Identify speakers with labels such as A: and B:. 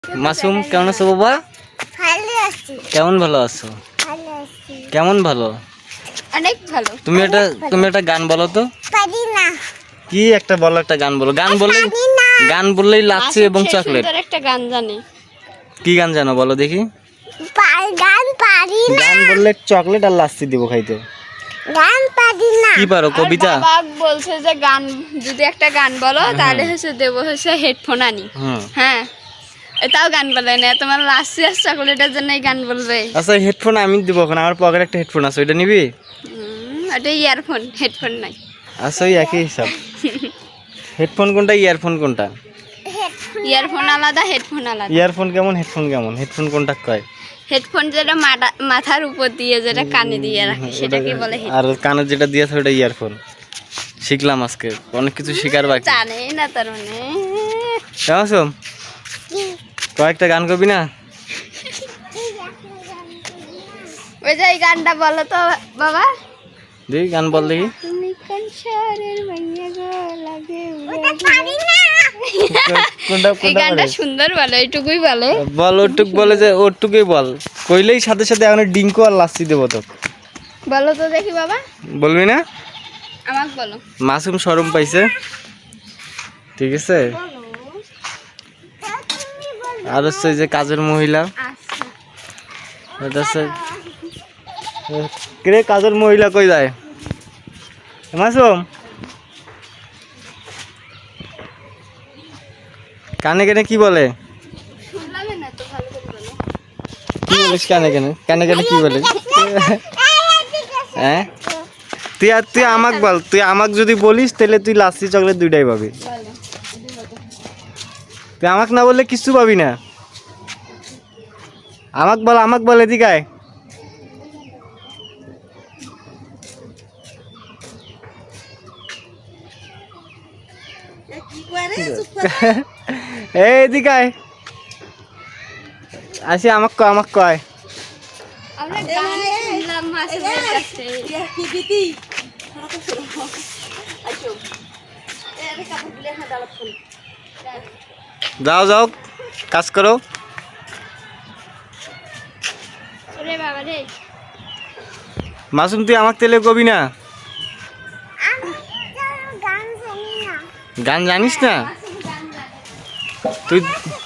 A: মাসুম কেমন আছো বাবা?
B: ভালো আছি।
A: কেমন ভালো আছো?
B: ভালো আছি।
A: কেমন ভালো?
B: অনেক ভালো।
A: তুমি একটা গান বলো তো।
B: পারি না।
A: কি একটা বলো, একটা গান বলো।
B: পারি না।
A: গান বললেই লাচ্ছি এবং চকলেট।
C: সুন্দর একটা গান জানি।
A: কি গান জানো বলো দেখি?
B: গান পারি না।
A: গান বললে চকলেট আর লাচ্ছি দিব খাইতে।
B: গান পারি না।
A: কি পারো? কবিতা?
C: বাবা বলছে যে গান যদি একটা গান বলো তাহলে দেবো হেডফোন আনি। হ্যাঁ, এটাও গান বলে না, তোমার লাচ্ছি আর চকলেটের জন্য গান বলবে।
A: আচ্ছা হেডফোন আমি দিব, এখন আমার পকেটে একটা হেডফোন আছে, ওইটা নিবি?
C: ওটা ইয়ারফোন, হেডফোন নাই।
A: আচ্ছা ওই একই হিসাব। হেডফোন কোনটা, ইয়ারফোন কোনটা?
C: ইয়ারফোন আলাদা, হেডফোন আলাদা।
A: ইয়ারফোন কেমন, হেডফোন কেমন? হেডফোন কোনটা কয়?
C: হেডফোন যেটা মাথার উপর দিয়ে যেটা কানে দিয়ে রাখে সেটাকে বলে হেডফোন।
A: আর কানে যেটা দিয়েছে ওটা ইয়ারফোন। শিখলাম আজকে, অনেক কিছু শিখার বাকি।
C: জানে না তার মানে।
A: কেমন কয়েকটা গান করবি না?
C: ওই যে এই গানটা বলো তো বাবা।
A: দেখি গান বল দেখি।
C: তুমি কোন শহরের মাইয়া গো লাগে
B: পারি না।
C: এই গানটা সুন্দর বলে, এইটুকুই বলে।
A: বল, ওটুক বলে যে ওটুকুই বল, কইলেই সাথে সাথে এখন ডিঙ্কু আর লাচ্ছি দেবো তো।
C: বলো তো দেখি বাবা।
A: বলবি না?
C: আমাকে বলো।
A: মাসুম শরম পাইছে, ঠিক আছে। আর হচ্ছে যে কাজের মহিলা,
C: আচ্ছা,
A: এটা হচ্ছে কে কাজের মহিলা কই যায়? মাসুম কানে কানে কি বলে?
C: শুনলাম না তো, ভালো করে বলো।
A: কি বলিস কানে কানে? কানে কানে কি বলে? হ্যাঁ তুই আমাকে বল, তুই আমাকে যদি বলিস তাহলে তুই লাচ্ছি চকলেট দুইটাই পাবি।
C: বলো।
A: তুই আমাকে না বললে কিচ্ছু পাবি না। আমাকে বল এদিকে আয়। এই এদিকে আয়, আসি আমাকে কয়।
C: আমরা গান শুনলাম মাসুমের কাছে।
A: যাও কাজ করো।
C: ওরে বাবা রে।
A: মাসুম তুই আমাকে তেলে কবি না?
B: আমি গান জানি না।
A: গান জানিস না?
C: মাসুম গান জানে।
A: তুই